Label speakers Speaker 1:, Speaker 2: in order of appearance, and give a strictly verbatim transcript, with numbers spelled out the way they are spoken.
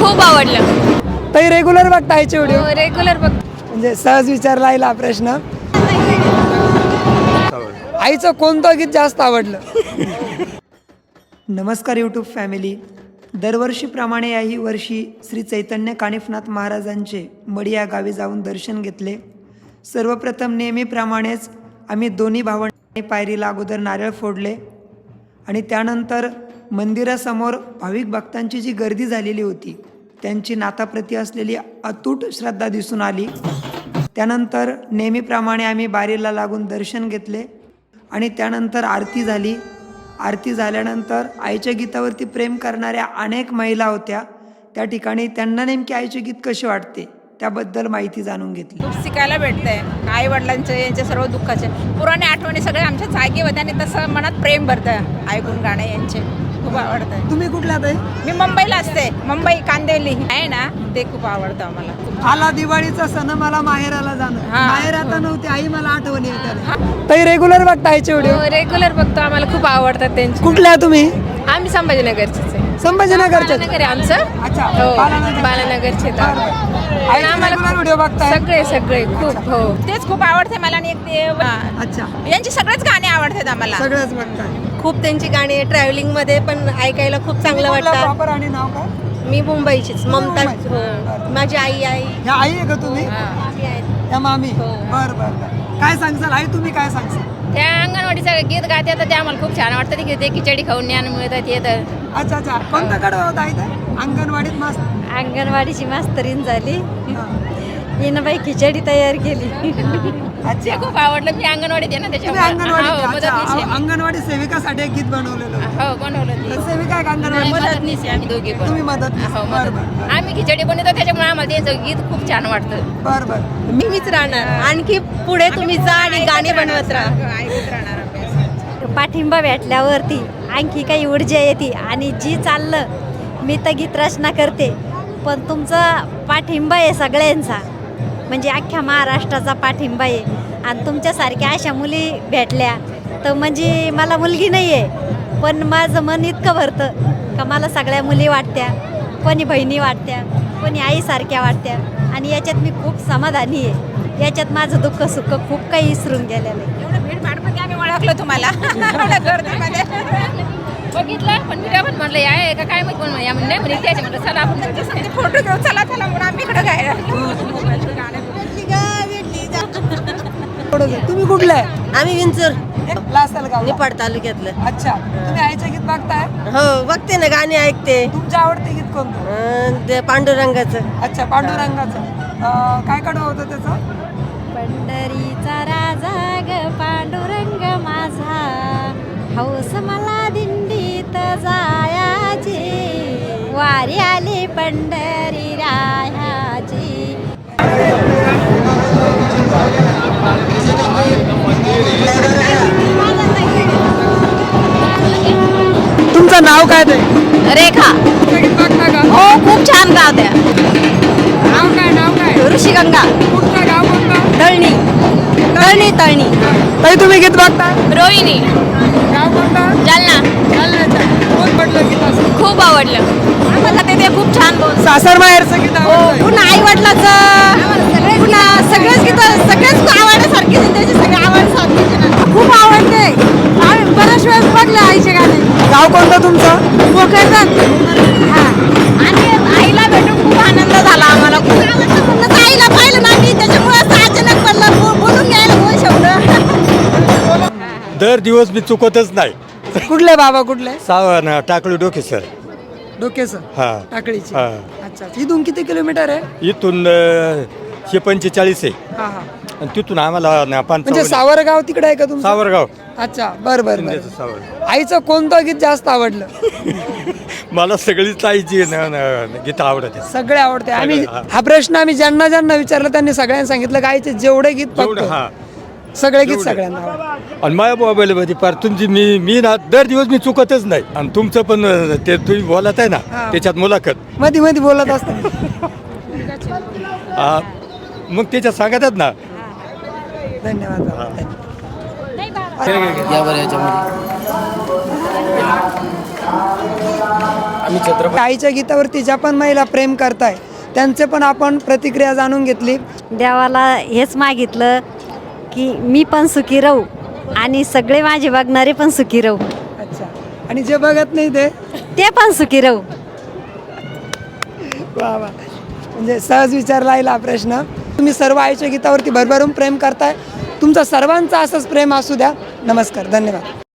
Speaker 1: खूप आवडलं.
Speaker 2: ताई रेग्युलर बघता आईचे व्हिडिओ?
Speaker 1: रेग्युलर बघ.
Speaker 2: म्हणजे सहज विचारला आईला प्रश्न. आईचं कोणतं गीत जास्त आवडलं? नमस्कार यूट्यूब फॅमिली. दरवर्षीप्रमाणे याही वर्षी श्री चैतन्य कानिफनाथ महाराजांचे मडी या गावी जाऊन दर्शन घेतले. सर्वप्रथम नेहमीप्रमाणेच आम्ही दोन्ही भावांनी पायरीला अगोदर नारळ फोडले आणि त्यानंतर मंदिरासमोर भाविक भक्तांची जी गर्दी झालेली होती त्यांची नाथाप्रती असलेली अतूट श्रद्धा दिसून आली. त्यानंतर नेहमीप्रमाणे आम्ही बारीला लागून दर्शन घेतले आणि त्यानंतर आरती झाली. आरती झाल्यानंतर आईच्या गीतावरती प्रेम करणाऱ्या अनेक महिला होत्या त्या ठिकाणी. त्यांना नेमकी आईचे गीत कसे वाटते त्याबद्दल माहिती जाणून घेतली.
Speaker 3: खूप शिकायला भेटतंय. आई वडिलांचे यांचे सर्व दुःखाचे पुराणे आठवणी सगळे आमच्या जागी होत्या आणि तसं मनात प्रेम भरतं ऐकून गाणे यांचे. खूप आवडतं.
Speaker 2: तुम्ही कुठल्या ताई?
Speaker 3: मी मुंबईला असते. मुंबई कांदिवली आहे ना, ते खूप आवडतं आम्हाला.
Speaker 2: आला दिवाळीचा सण मला माहेराला जाणं.
Speaker 3: हा.
Speaker 2: माहेर आता नव्हती आई मला आठवणी येतात. ताई रेग्युलर बघता आईचे व्हिडिओ?
Speaker 1: रेग्युलर बघतो. आम्हाला खूप आवडतात त्यांचे.
Speaker 2: कुठल्या तुम्ही?
Speaker 1: आम्ही संभाजीनगरचेच आहे.
Speaker 2: संभाजीनगरचे?
Speaker 1: बालानगर आहे आमचं.
Speaker 2: अच्छा.
Speaker 1: हो
Speaker 2: बालानगर.
Speaker 1: बालानगरचे तर.
Speaker 2: आईचे
Speaker 1: आम्हाला
Speaker 2: regular व्हिडिओ बघताय?
Speaker 1: सगळे सगळे खूप. हो
Speaker 3: तेच खूप आवडते मला. आणि एक ते
Speaker 2: अच्छा.
Speaker 3: यांची सगळेच गाणे आवडतात आम्हाला.
Speaker 2: सगळंच बघताय.
Speaker 4: खूप त्यांची गाणी ट्रॅव्हलिंग मध्ये पण ऐकायला खूप चांगलं वाटतं.
Speaker 2: प्रॉपर आणि नाव काय?
Speaker 4: मी मुंबईचीच ममता.
Speaker 2: मुंबईची.
Speaker 4: हो. माझी आई आई
Speaker 2: ह्या आई आहे का तुम्ही?
Speaker 4: मामी आहेत.
Speaker 2: या मामी. बर बर बर. काय सांगसाल आई? तुम्ही काय सांगसाल?
Speaker 1: त्या अंगणवाडीचं गीत गातात ते आम्हाला खूप छान वाटतं. ते खिचडी खाऊन ज्ञान मिळतात येतं.
Speaker 2: अच्छा अच्छा. कोणतं कडवं होतं आई ते? अंगणवाडीत मस्त.
Speaker 4: अंगणवाडीची मास्तरीन झाली. हिनं बाई खिचडी तयार केली.
Speaker 2: अच्छा.
Speaker 1: ते खूप आवडलं. मी अंगणवाडीत आहे ना
Speaker 2: तुम्ही
Speaker 1: त्याच्यामुळे.
Speaker 2: अंगणवाडी
Speaker 1: हो, मदतनीस आहे मी.
Speaker 2: अंगणवाडी सेविकासाठी एक गीत बनवलेलं होतं.
Speaker 1: हो बनवलं ते.
Speaker 2: तर सेविका आहे का अंगणवाडी?
Speaker 1: मदतनीस आहे आम्ही दोघी पण.
Speaker 2: तुम्ही मदत.
Speaker 1: हो
Speaker 2: बर
Speaker 1: मदत.
Speaker 2: बर
Speaker 1: आम्ही खिचडी बनवतो त्याच्यामुळे आम्हाला त्यांचं गीत खूप छान वाटतं.
Speaker 2: बर बर.
Speaker 4: मी मीच राहणार. आणखी पुढे तुम्ही जा आणि गाणी बनवत राहा.
Speaker 3: ऐकत राहणार अभ्यास.
Speaker 4: पाठिंबा भेटल्यावरती आणखी काही ऊर्जा येते आणि जी चाललं मी तर गीत रचना करते पण तुमचा पाठिंबा आहे सगळ्यांचा. म्हणजे अख्ख्या महाराष्ट्राचा पाठिंबा आहे आणि तुमच्यासारख्या अशा मुली भेटल्या तर म्हणजे मला मुलगी नाही आहे पण माझं मन इतकं भरतं का मला सगळ्या मुली वाटत्या, कोणी बहिणी वाटत्या, कोणी आईसारख्या वाटत्या आणि याच्यात मी खूप समाधानी आहे. याच्यात माझं दुःख सुख खूप काही विसरून गेलेलं आहे.
Speaker 3: एवढं भीड भाडमध्ये आम्ही ओळखलं तुम्हाला. एवढ्या गर्दीमध्ये
Speaker 1: बघितलं पण मी काय पण म्हणलं या आहे का काय माहिती पण या नाही म्हणे त्याच्या म्हणलं चला आपण
Speaker 3: त्यांच्यासाठी फोटो घेऊ चला चला म्हणून आम्ही इकडे गायला.
Speaker 2: थोडंसं. तुम्ही कुठलं आहे?
Speaker 4: आम्ही विंचूर
Speaker 2: लासलगाव.
Speaker 4: निपाड तालुक्यातलं.
Speaker 2: अच्छा. तुम्ही आईचे गीत बघताय?
Speaker 4: हो बघते ना गाणी ऐकते.
Speaker 2: तुमचं आवडते गीत कोणतं?
Speaker 4: अं, ते पांडुरंगाचं.
Speaker 2: अच्छा. पांडुरंगाचं. अं, काय कडवं होतं त्याचं?
Speaker 4: पंढरीचा राजा ग पांडुरंग माझा हौस मला दिंडीत जायाची वारी आली पंढरी रायाची.
Speaker 2: तुमचं नाव काय ते?
Speaker 1: रेखा.
Speaker 2: गीत बघता का?
Speaker 1: हो खूप छान गावत्या.
Speaker 2: नाव काय? नाव काय?
Speaker 1: ऋषिगंगा.
Speaker 2: कुठलं गाव कोणतं?
Speaker 1: तळणी. तळणी तळणी.
Speaker 2: ताई तुम्ही गीत बघता?
Speaker 1: रोहिणी.
Speaker 2: गाव कोणतं?
Speaker 1: जालना.
Speaker 2: जालन्याचं. कोण म्हटलं गीत असं?
Speaker 1: खूप आवडलं आम्हाला ते. ते खूप छान बोल.
Speaker 2: सासर माहेरचं गीत आवडतंय?
Speaker 1: पुन्हा आई वडिलाचं पुन्हा सगळेच गीत सगळेच आवडण्यासारखी त्याची सगळी आवडसारखी खूप आवडते. आम्ही बऱ्याच वेळेस बघलं आईचे गाणे.
Speaker 2: गाव कोणतं तुमचं?
Speaker 1: मोकळतात. हा आणि आईला भेटून खूप आनंद झाला आम्हाला. खूप आवडतं म्हणलं तर आईला पाहिलं ना मी त्याच्यामुळे असं अचानक पडलं बो- बोलून घ्यायला दोन शब्द.
Speaker 5: दर दिवस मी चुकतच नाही.
Speaker 2: कुठले बाबा? कुठले?
Speaker 5: सावन टाकळी डोके सर.
Speaker 2: डोकेचं.
Speaker 5: हा
Speaker 2: टाकळीची.
Speaker 5: हा.
Speaker 2: अच्छा. इथून किती किलोमीटर आहे?
Speaker 5: इथून अ, हे पंचेचाळीस आहे
Speaker 2: हा हा.
Speaker 5: आणि तिथून आम्हाला न-
Speaker 2: म्हणजे
Speaker 5: पंचावन्न.
Speaker 2: सावरगाव तिकडे आहे का तुमचं?
Speaker 5: सावरगाव.
Speaker 2: अच्छा. बर बर बर.
Speaker 5: शिंदेचं सावर.
Speaker 2: आईचं कोणतं गीत जास्त आवडलं?
Speaker 5: मला सगळीच आईची न- न- गीतं आवडते.
Speaker 2: सगळे आवडते. आम्ही
Speaker 5: हा.
Speaker 2: हा प्रश्न आम्ही ज्यांना ज्यांना विचारलं त्यांनी सगळ्यांनी सांगितलं की आईचे जेवढे गीत
Speaker 5: जेवढं
Speaker 2: बघतो
Speaker 5: हा
Speaker 2: सगळे गीत
Speaker 5: जेवढे.
Speaker 2: सगळ्यांना आवडतात.
Speaker 5: आणि माझ्या मोबाईलमध्ये पार तुमची मी मी ना दर दिवस मी चुकतच नाही. आणि तुमचं पण अ, ते तुम्ही बोलत आहे ना
Speaker 2: हा.
Speaker 5: त्याच्यात मुलाखत
Speaker 2: मध्ये मध्ये बोलत असतात.
Speaker 5: हा, मग त्याच्यात सांगतात ना.
Speaker 2: धन्यवाद बाबा.
Speaker 6: या बरं याच्यामध्ये आम्ही छत्रपती
Speaker 2: आईच्या गीतावरती ज्या पण महिला प्रेम करताय त्यांचे पण आपण प्रतिक्रिया जाणून घेतली.
Speaker 4: देवाला हेच मागितलं की मी पण सुखी राहू आणि सगळे माझे बघणारे पण सुखी राहू.
Speaker 2: अच्छा, आणि जे बघत नाही ते
Speaker 4: ते पण सुखी राहू.
Speaker 2: वा वा, म्हणजे सहज विचारला येईल हा प्रश्न. तुम्ही सर्व आईच्या गीतावरती भरभरून प्रेम करताय. तुमचं सर्वांचं असंच प्रेम असू द्या. नमस्कार, धन्यवाद.